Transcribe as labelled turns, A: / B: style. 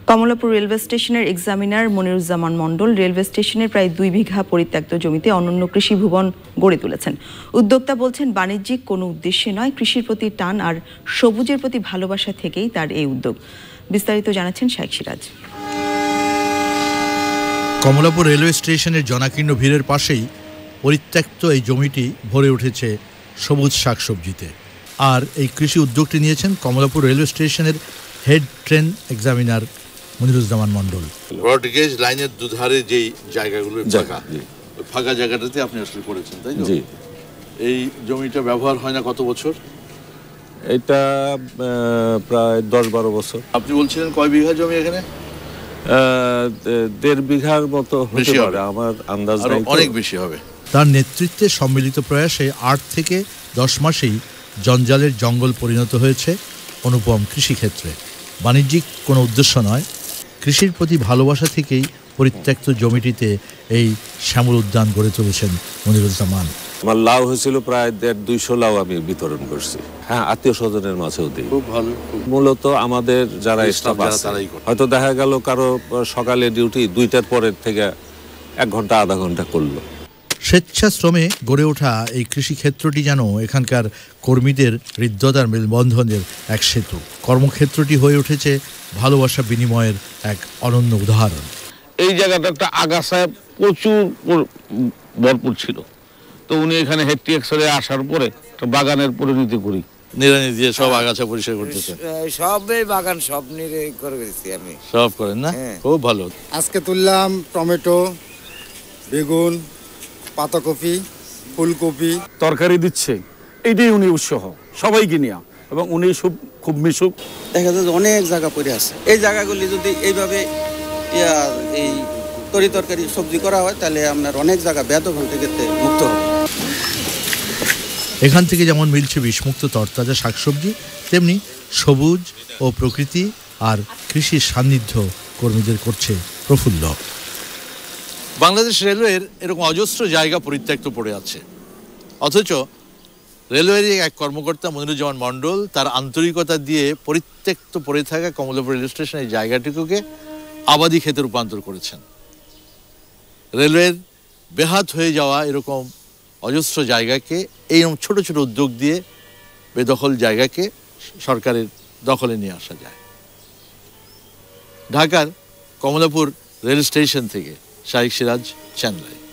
A: Kamalapur railway স্টেশনের examiner Moniruzzaman Mondal railway স্টেশনের প্রায় 2 বিঘা পরিত্যক্ত জমিতে অনন্য কৃষি ভবন গড়ে তুলেছেন। উদ্যোক্তা বলছেন, বাণিজ্যিক কোনো উদ্দেশ্যে নয়, কৃষির প্রতি টান আর সবুজের প্রতি ভালোবাসা থেকেই তার এই উদ্যোগ। বিস্তারিত জানাচ্ছেন শাইখ সিরাজ।
B: কমলাপুর রেলওয়ে স্টেশনের জনাকীর্ণ ভিড়ের পাশেই পরিত্যক্ত এই জমিটি ভরে উঠেছে সবুজ শাকসবজিতে। আর এই কৃষি উদ্যোগটি নিয়েছেন কমলাপুর রেলওয়ে স্টেশনের head train examiner Moniruzzaman Mondal.
C: Broad gauge লাইনের দুধারে যেই জায়গাগুলো ফাঁকা জায়গাটাতে আপনি আসলে করেছেন, তাই তো? এই জমিটা ব্যবহার হয় না কত বছর?
D: এটা প্রায় 10-12 বছর।
C: আপনি বলছিলেন কয় বিঘা জমি এখানে?
D: 1.5 বিঘার মতো হতে পারে, আমার আন্দাজ নাই,
C: অনেক বেশি হবে।
B: তার নেতৃত্বে সম্মিলিত প্রয়াসে 8 থেকে 10 মাসেই জঞ্জালের জঙ্গল পরিণত হয়েছে অনুপম কৃষিক্ষেত্রে। বাণিজ্যিক কোনো উদ্দেশ্য নয়, কৃষির প্রতি ভালোবাসা থেকেই পরিত্যক্ত জমিটিতে এই শ্যামল উদ্যান গড়ে তুলেছেন মনিরুজ্জামান।
D: আমার লাউ হয়েছিল প্রায় 150-200 লাউ আমি বিতরণ করছি। হ্যাঁ, আত্মীয় স্বজনের মাঝেও দিই।
C: খুব ভালো।
D: মূলত আমাদের যারা স্টাফ আছে, হয়তো দেখা গেল কারো সকালে ডিউটি 2টার পরের থেকে 1 ঘন্টা আধা ঘন্টা করলো।
B: স্বেচ্ছাশ্রমে গড়ে ওঠা এই কৃষিক্ষেত্রটি যেন এখানকার কর্মীদের হৃদ্যতার মেলবন্ধনের এক সেতু। কর্মক্ষেত্রটি হয়ে উঠেছে ভালোবাসা বিনিময়ের এক অনন্য উদাহরণ।
E: এই জায়গাটা একটা আগাছায় প্রচুর ভরপুর ছিল, তো উনি এখানে হেড টিএক্সরে আসার পরে একটা বাগানের পরিণতি করি,
C: নিড়ানি দিয়ে সব আগাছা পরিষ্কার করতেছে।
F: সবই বাগান সব নিয়ে করে গেছি আমি।
C: সব করেন না? খুব ভালো।
G: আজকে তুললাম টমেটো, বেগুন, পাতাকপি, ফুলকপি।
E: তরকারি দিচ্ছে, এইটাই উনি উৎসাহ সবাইকে নিয়ে, এবং উনি খুব মিশুক।
F: দেখা যায় অনেক জায়গা পড়ে আছে, এই জায়গাগুলি যদি এইভাবে এই তরকারি সবজি করা হয় তাহলে আপনার অনেক জায়গা বেদখল থেকে মুক্ত হবে।
B: এখান থেকে যেমন মিলছে বিষমুক্ত তরতাজা শাকসবজি, তেমনি সবুজ ও প্রকৃতি আর কৃষির সান্নিধ্য কর্মীদের করছে প্রফুল্ল।
C: বাংলাদেশ রেলওয়ের এরকম অজস্র জায়গা পরিত্যক্ত পড়ে আছে, অথচ রেলওয়ের এক কর্মকর্তা মনিরুজ্জামান মণ্ডল তার আন্তরিকতা দিয়ে পরিত্যক্ত পড়ে থাকা কমলাপুর রেল স্টেশনের জায়গাটিকে আবাদি ক্ষেতে রূপান্তর করেছেন। রেলওয়ের বেহাত হয়ে যাওয়া এরকম অজস্র জায়গাকে এইরকম ছোট ছোট উদ্যোগ দিয়ে বেদখল জায়গাকে সরকারের দখলে নিয়ে আসা যায়। ঢাকার কমলাপুর রেল স্টেশন থেকে শাইখ সিরাজ, চ্যানেল আই।